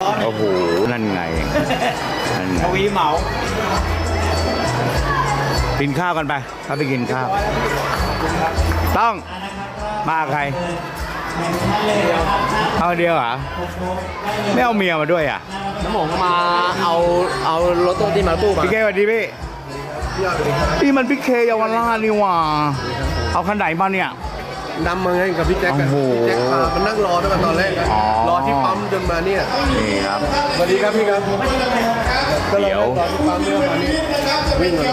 โอ้โหนั่นไงนั่นไงทวีเหมากินข้าวกันไปถ้าไปกินข้าวต้องมาใครเอาเดียวเหรอไม่เอาเมียมาด้วยอ่ะน้ำหมงมาเอารถตู้ที่มาตู้มาพี่เคสวัสดีพี่นี่มันพี่เคเยาวราชนี่หว่าเอาคันไหนมาเนี่ยนำมาไงกับพี่แจ็คกันโอ้โหพี่แจ็คพามานั่งรอตั้งแต่ตอนแรกนะอ๋อรอที่ปั๊มจนมาเนี่ยนี่ครับสวัสดีครับพี่ครับก็เลยเดี๋ยวรอที่ปั๊มเนี่ยมานี่วิ่งเลย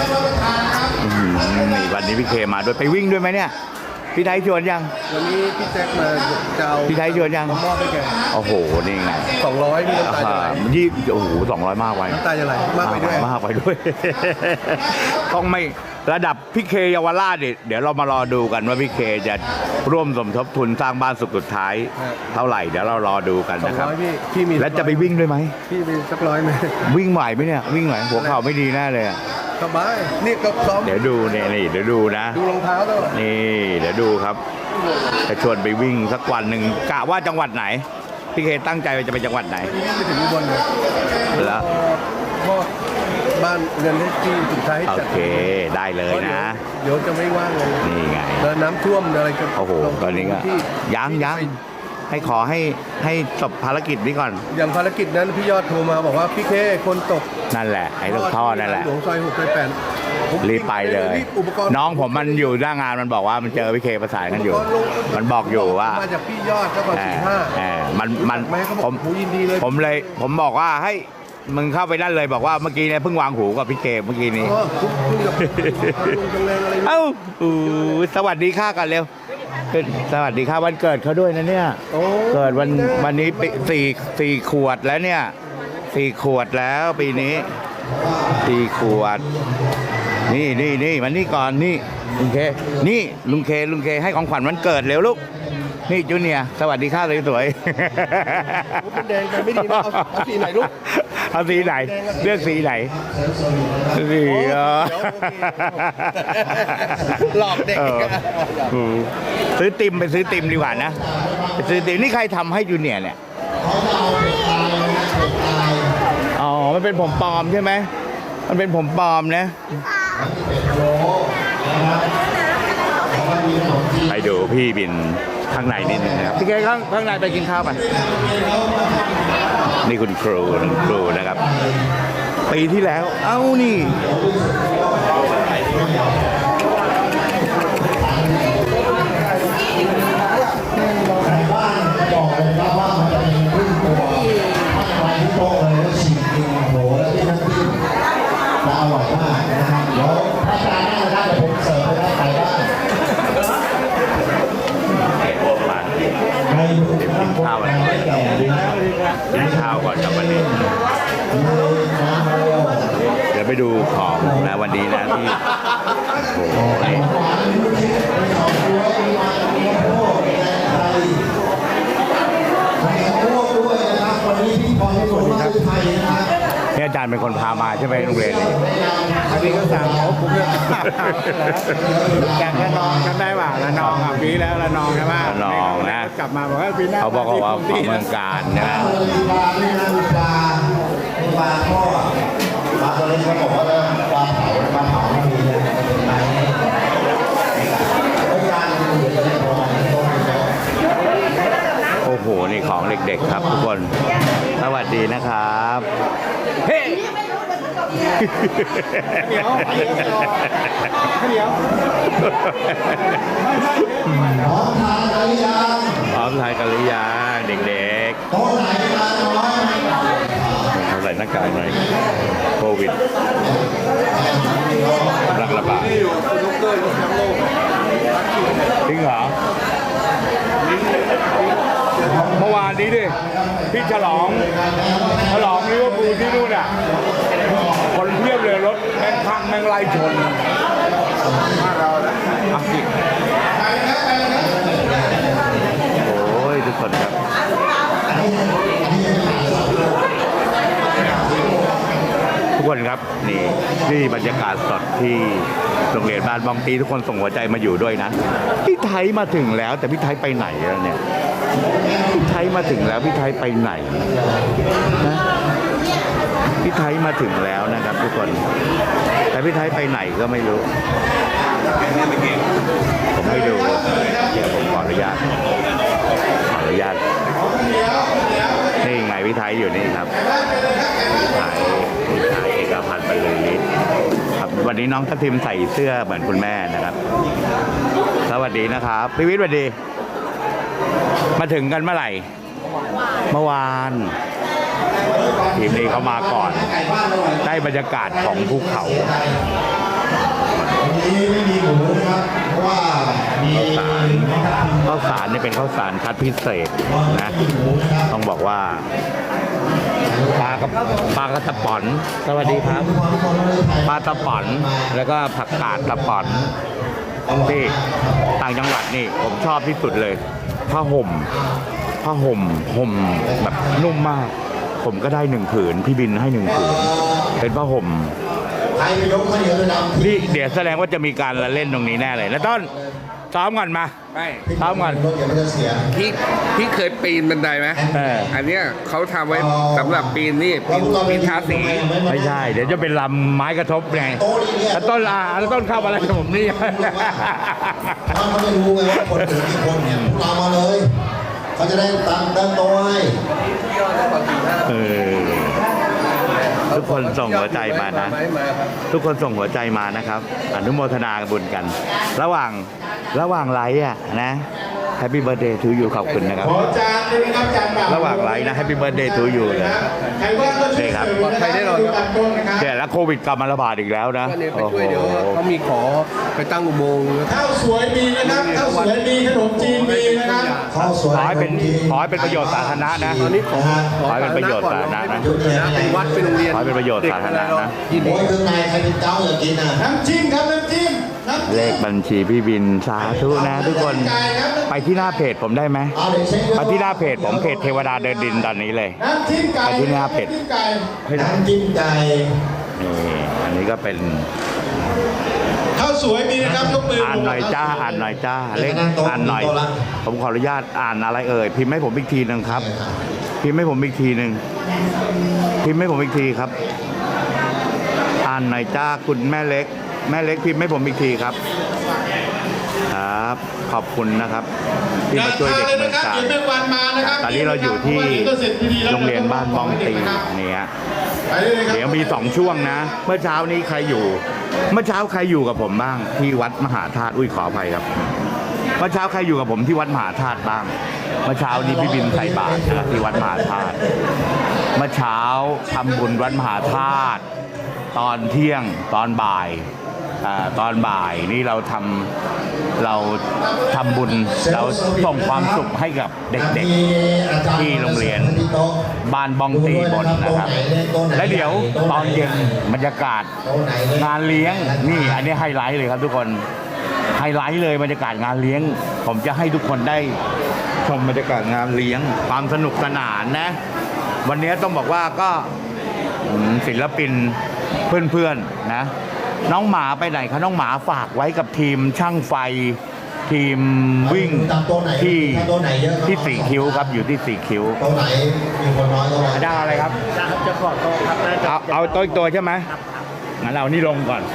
นี่วันนี้พี่เคมาด้วยไปวิ่งด้วยไหมเนี่ยพี่ไทยชวนยังวันนี้พี่แจ็คมาจะเอาพี่ไทยชวนยังมามอบให้แกโอ้โหนี่ไง 200พี่น้ำตาจะไหลยี่โอ้โห200 มากไว้น้ำตาจะไหลมากไปด้วยมากไปด้วย ต้องไม่ระดับพี่เคเยาวราชเนี่ยเดี๋ยวเรามารอดูกันว่าพี่เคจะร่วมสมทบทุนสร้างบ้านสุดท้าย เท่าไหร่เดี๋ยวเรารอดูกันนะครับ 200พี่มีแล้วจะไปวิ่งด้วยไหมพี่มีสัก100ไหมวิ่งไหวไหมเนี่ยวิ่งไหวหัวเข่าไม่ดีแน่เลยอะสบายนี่ก็ซ้อมเดี๋ยวดูเนี่ยนี่เดี๋ยวดูนะดูรองเท้าแล้วนี่เดี๋ยวดูครับจะชวนไปวิ่งสักวันหนึ่งกะว่าจังหวัดไหนพี่เคตั้งใจว่าจะไปจังหวัดไหนไปถึงอุบลเลยแล้วพ่อบ้านเงินที่สุดท้ายโอจัดเคได้เลยนะเดี๋ยวจะไม่ว่างเลยนี่ไงแล้วน้ำท่วมอะไรก็โอ้โหตอนนี้ก็ที่ยังให้ขอให้จบภารกิจนี้ก่อนอย่างภารกิจนั้นพี่ยอดโทรมาบอกว่าพี่เคคนตกนั่นแหละไอ้ลูกท่อนั่นแหละหลวงซอย6ซอย8ผมรีบไปเลยรีบอุปกรณ์น้องผมมันอยู่หน้างานมันบอกว่ามันเจอพี่เคประสานกันอยู่ มันบอกอยู่ว่ามาจากพี่ยอดก็ก่อนเออ 45 มันไม่เขาบผอกมหูยินดีเลยผมบอกว่าให้มึงเข้าไปนั่นเลยบอกว่าเมื่อกี้เนี่ยเพิ่งวางหูกับพี่เคเมื่อกี้นี้เออคุณกับลุงจังแรงอะไรเอ้าอู้สวัสดีค่ะกันเร็วสวัสดีค่ะวันเกิดเขาด้วยนะเนี่ยโอ้เกิดวันนี้สี่ขวดแล้วเนี่ย4 ขวดแล้วปีนี้4 ขวด นี่มันนี่ก่อนนี่ลุงเคนี่ลุงเคให้ของขวัญวันเกิดเร็วลูกนี่จูเนียร์สวัสดีค่ะสวยเป็นแดงไปไม่ดีนะเอาสีไหนลูกๆเอาสีไหนเลือกสีไหนสีหลอกเด็กซื้อติมไปซื้อติมดีกว่านะไปซื้อติมนี่ใครทำให้จูเนียร์เนี่ยอ๋อมันเป็นผมปลอมใช่ไหมมันเป็นผมปลอมนะไปดูพี่บินข้างในนิดนึงนะครับพี่แกข้างในไปกินข้าวไปนี่คุณครูนะครับปีที่แล้วเอ้านี่อร่อยมากนะครับเดี๋ยวถ้าจานหน้าได้ผมเสิร์ฟไปได้ใครบ้างมาใครดูข้างบนไม่แก่ดีนะกินข้าวก่อนกับวันนี้น้ำเร็วเดี๋ยวไปดูของนะวันนี้นะที่โอ้โหนี่ใครโค้ด้วยนะครับวันนี้พี่พรที่สุดมาไทยนะครับนี่อาจารย์เป็นคนพามาใช่ไหมโรงเรียนนี้อันนี้ก็สั่งเขาผมเนี่ยจากระนองจำได้ป่ะระนองอ่ะปีแล้วระนองใช่ไหมระนองนะกลับมาบอกว่าปีหน้าเขาบอกว่าที่เมืองการใช่ไหมมีปลาไม่น่ามีปลามีปลาทอดปลาตัวเล็กเขาบอกว่าปลาเผาไม่มีเลยเป็นปลาไม่ยากเลยจะได้พอต้มเนาะโอ้โหนี่ของเด็กๆครับทุกคนสวัสดีนะครับเฮ้เดี๋ยวพร้อมทานกันหรือยังพร้อมทานกันหรือยังเด็กโต๊ะไหนมาน้อยๆใส่หน้ากากหน่อยโควิดกำลังระบาดจริงเหรอเมื่อวานนี้ดิพี่ฉลองลิเวอร์พูลที่นู่นอ่ะคนเพียบเลยรถแม่งพังแม่งไล่ชนอังกฤษโอ้ยทุกคนครับทุกคนครับนี่บรรยากาศสดที่โรงเรียนบ้านบางปีทุกคนส่งหัวใจมาอยู่ด้วยนะพี่ไทยมาถึงแล้วแต่พี่ไทยไปไหนแล้วเนี่ยพี่ไทยมาถึงแล้วพี่ไทยไปไหนนะพี่ไทยมาถึงแล้วนะครับทุกคน แต่พี่ไทยไปไหนก็ไม่รู้ ผมไม่ดูเดี๋ยวผมขออนุญาตนี่ไงพี่ไทยอยู่นี่ครับพี่ไทยเอกพันธ์บรรลือฤทธิ์ครับวันนี้น้องทัพทิมใส่เสื้อเหมือนคุณแม่นะครับสวัสดีนะครับพี่วิทย์สวัสดี มาถึงกันเมื่อไหร่ เมื่อวานทีมนี้เขามาก่อนได้บรรยากาศของภูเขาวันนี้ไม่มีหมูนะครับเพราะว่ามีข้าวสารนี่เป็นข้าวสารคัดพิเศษนะต้องบอกว่าปลากระตะป๋อนสวัสดีครับปลาตะป๋อนแล้วก็ผักกาดตะป๋อนที่ต่างจังหวัดนี่ผมชอบที่สุดเลยผ้าห่มห่มแบบนุ่มมาก ผมก็ได้1 ผืนพี่บินให้1 ผืนเป็นผ้าห่มใครไปยกข้าวเหนียวเลยนะนี่เดี๋ยวแสดงว่าจะมีการละเล่นตรงนี้แน่เลยแล้วต้นซ้อมก่อนมาไม่ซ้อมก่อนรถเดี๋ยวมันจะเสียพี่เคยปีนบันไดไหม อันเนี้ยเขาทำไว้สำหรับปีนนี่ปีนทาสีไม่ใช่ เดี๋ยวจะเป็นลำไม้กระทบไงแล้วต้นเข้ามาอะไรกับผมนี่ถ้าเขาไม่รู้ไงว่าคนถึงกี่คนเนี่ยพวกเรามาเลยเขาจะได้ตั้งโต๊ะให้เออทุกคนส่งหัวใจมานะ ทุกคนส่งหัวใจมานะครับ อนุโมทนาบุญกัน ระหว่างไลฟ์อ่ะนะแฮปปี้เบิร์ดเดย์ทูยูขอบคุณนะครับขอจานเลยนะครับจานเปล่าระหว่างไลฟ์นะแฮปปี้เบิร์ดเดย์ทูยูเลยใครว่างก็ช่วยเสริมนะครับใครแน่นอนครับตัดต้นนะครับเนี่ยแล้วโควิดกลับมาระบาดอีกแล้วนะก็เนี่ยไปช่วยเดี๋ยวเขามีขอไปตั้งอุโมงค์ข้าวสวยมีนะครับข้าวสวยมีขนมจีนมีนะครับข้าวสวยขอให้เป็นประโยชน์สาธารณะนะตอนนี้ขอขอให้เป็นประโยชน์สาธารณะนะเป็นวัดเป็นโรงเรียนขอให้เป็นประโยชน์สาธารณะนะยินดีโอ้ยเครื่องในใครเป็นเจ้าอยากกินอ่ะน้ำจิ้มครับน้ำจิ้มน้ำเลจิ้ขมบัญชีพี่บินสาธุนะทุกคนไปที่หน้าเพจผมได้ไหมเอาเดี๋ยวเช็คไปที่หน้าเพจผมเพจเทวดาเดินดินตอนนี้เลยน้ำจิ้มไก่ไปที่หน้าเพจำจิ้มไก่น้ำจิ้มไก่นี่อันนี้ก็เป็นข้าวสวยมีนะครับยกมืออ่านหน่อยจ้าเลขอ่านหน่อย ผมขออนุญาตอ่านอะไรเอ่ยพิมพ์ให้ผมอีกทีนึงครับ พิมพ์ให้ผมอีกทีนึงพิมพ์ให้ผมอีกทีครับ อ่านหน่อยจ้าคุณแม่เล็กพิมพ์ให้ผมอีกทีครับครับขอบคุณนะครับที่มาช่วยเด็กเมืองการเดี๋ยวแม่วันมานะครับตอนนี้เราอยู่ที่โรงเรียนบ้านบองตีเนี่ยไปเลยครับเดี๋ยวมี2 ช่วงนะ เมื่อเช้านี้ใครอยู่ เมื่อเช้าใครอยู่กับผมบ้างที่วัดมหาธาตุขออภัยครับ เมื่อเช้าใครอยู่กับผมที่วัดมหาธาตุบ้าง เมื่อเช้านี้พี่บินใส่บาตรนะครับที่วัดมหาธาตุเมื่อเช้าทำบุญวัดมหาธาตุตอนเที่ยงตอนบ่ายตอนบ่ายนี่เราทำบุญเราส่งความสุขให้กับเด็กๆที่โรงเรียนบ้านบองตีบนนะครับ และเดี๋ยวตอนเย็นบรรยากาศงานเลี้ยงนี่อันนี้ไฮไลท์เลยครับทุกคนไฮไลท์เลยบรรยากาศงานเลี้ยง ผมจะให้ทุกคนได้ชมบรรยากาศงานเลี้ยงความสนุกสนานนะ วันนี้ต้องบอกว่าก็ศิลปินเพื่อนๆนะน้องหมาไปไหนคะน้องหมาฝากไว้กับทีมช่างไฟทีมวิ่งที่สี่คิ้วครับอยู่ที่สี่คิ้วโต๊ะไหนมีคนน้อยก็มาได้อะไรครับจะขอโต๊ะครับเอาโต๊ะอีกตัวใช่ไหมงั้นเรานี่ลงก่อน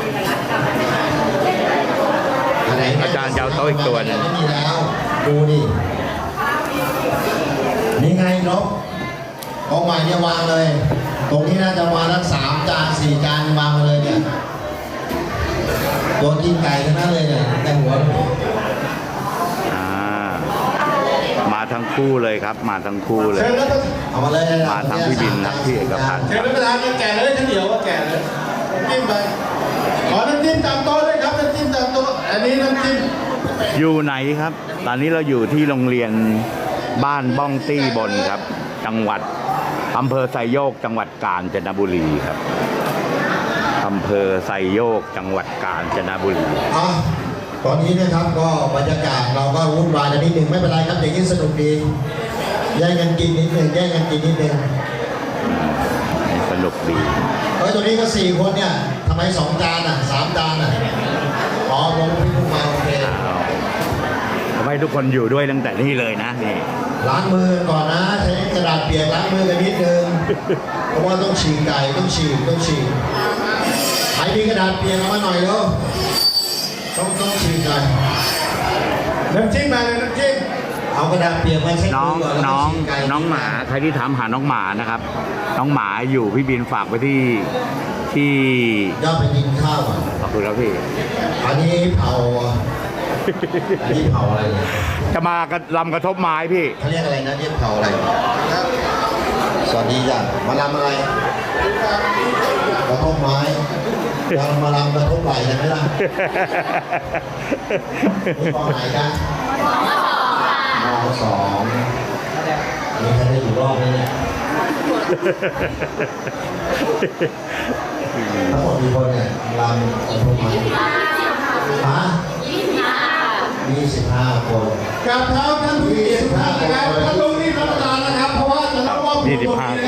อาจารย์จะเอาโต๊ะอีกตัวหนึ่งไม่มีแล้วดูดินี่ไงนกเอาใหม่เนี่ยวางเลย ตรงนี้น่าจะวางทั้ง3 จาน 4 จานวางมาเลยเนี่ยตัวกินไก่ทั้งนั้นเลยเนี่ยแต่หัวมาทั้งคู่เลยครับ มาทั้งคู่เลยเชิญแล้วก็เอามาเลยมาทั้งพี่บินนะพี่เอกพันธ์เชิญแล้วประธานก็แก่เลยข้าวเหนียวก็แก่เลยน้ำจิ้มไปขอน้ำจิ้มตามโต๊ะด้วยครับน้ำจิ้มตามโต๊ะอันนี้น้ำจิ้มอยู่ไหนครับ ตอนนี้เราอยู่ที่โรงเรียนบ้านบ้องตี้บนครับ จังหวัดอำเภอไซโยกจังหวัดกาญจนบุรีครับอำเภอไซโยกจังหวัดกาญจนบุรีตอนนี้นะครับก็บรรยากาศเราก็วุ่นวายกันนิดหนึ่งไม่เป็นไรครับเด็กยิ่งสนุกดีแย่งกันกินนิดหนึ่งสนุกดีตัวนี้ก็4 คนเนี่ยทำไม2 จานอ่ะ3 จานอ่ะอ๋อผมพี่พุ่งมาโอเคทำไมให้ทุกคนอยู่ด้วยตั้งแต่นี่เลยนะนี่ล้างมือก่อนนะ ใช้กระดาษเปียกล้างมือกันนิดนึง เพราะว่าต้องฉีกไก่ต้องฉีกใครมีกระดาษเปียกเอามาหน่อยเร็วต้องฉีกไก่น้ำจิ้มมาเลยน้ำจิ้มเอากระดาษเปียกมาเช็ดน้องมือก่อนแล้วน้ก็องฉีกไก่น้องหมาใครที่ถามหาน้องหมานะครับ น้องหมาอยู่พี่บินฝากไปที่ย่าไปกินข้าวก่อนขอบคุณครับพี่อันนี้เผาอะไรเนี่ยจะมากระลำกระทบไม้พี่เขาเรียกอะไรนะเรียกเผาอะไรสวัสดีจ้ะมาลำอะไรกระทบไม้เรามาลำกระทบไหล่กันไหมล่ะตอนไหนกันม.2มีใครได้อยู่รอบไหมเนี่ยทั้งหมดมีคนเนี่ยลำกระทบไม้ฮะ25 คนกับเท้าท่านผู้เกียรติทุกท่านนะครับท่านลงนี่รับประทานนะครับ เพราะว่าจะต้องว่า 25 คน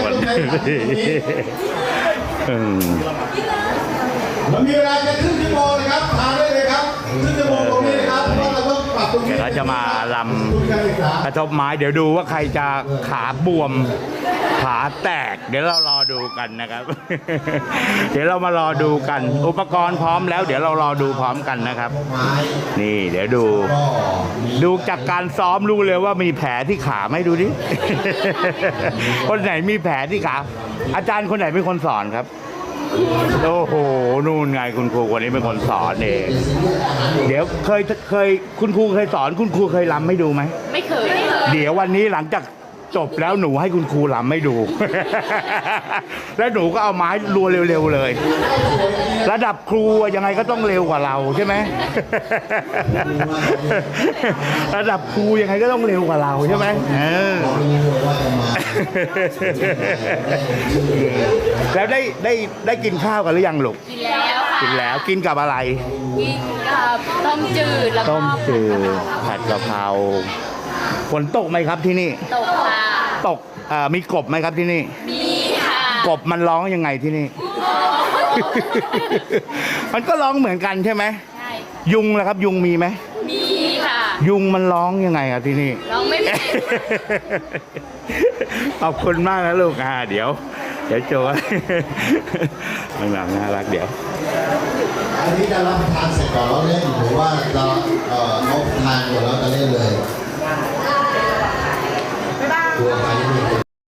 อืมเรามีเวลาจะครึ่งชั่วโมงนะครับทานได้เลยครับครึ่งชั่วโมงตรงนี้นะครับเพราะว่าเราต้องปรับตรงนี้เดี๋ยวเราจะมาลทุนการศึกษาำกระทบไม้เดี๋ยวดูว่าใครจะขาบวมขาแตก เดี๋ยวเรารอดูกันนะครับ เดี๋ยวเรามารอดูกัน อุปกรณ์พร้อมแล้ว เดี๋ยวเรารอดูพร้อมกันนะครับไม้นี่เดี๋ยวดูก็มีดูจากการซ้อมรู้เลยว่ามีแผลที่ขาไหมดูดิ คนไหนมีแผลที่ขา อาจารย์คนไหนเป็นคนสอนครับ โอ้โห นู่นไงคุณครูคนนี้เป็นคนสอนเอง เดี๋ยวเคยคุณครูเคยสอนคุณครูเคยรำให้ดูไหมไม่เคยเดี๋ยววันนี้หลังจากจบแล้วหนูให้คุณครูรำให้ดู แล้วหนูก็เอาไม้รัวเร็วๆเลย ระดับครูอะยังไงก็ต้องเร็วกว่าเราใช่ไหม ระดับครูยังไงก็ต้องเร็วกว่าเราใช่ไหมเออเรารู้ว่าจะมาแล้วได้กินข้าวกันหรือยังลูกกินแล้วค่ะกินแล้วกินกับอะไรกินกับต้มจืดแล้วก็ต้มจืดผัดกะเพราฝนตกไหมครับที่นี่ตกค่ะตกมีกบไหมครับที่นี่มีค่ะกบมันร้องยังไงที่นี่ มันก็ร้องเหมือนกันใช่ไหมใช่ค่ะยุงล่ะครับ ยุงมีไหมมีค่ะยุงมันร้องยังไงครับที่นี่ร้องไม่เป็นขอบคุณมากนะลูกเดี๋ยวโจ มันแบบน่ารักเดี๋ยวอันนี้จะรับประทานเสร็จก่อนแล้วเล่นหรือว่าเราเขาทานก่อนแล้วจะเล่นเลยตัวใครที่มีคน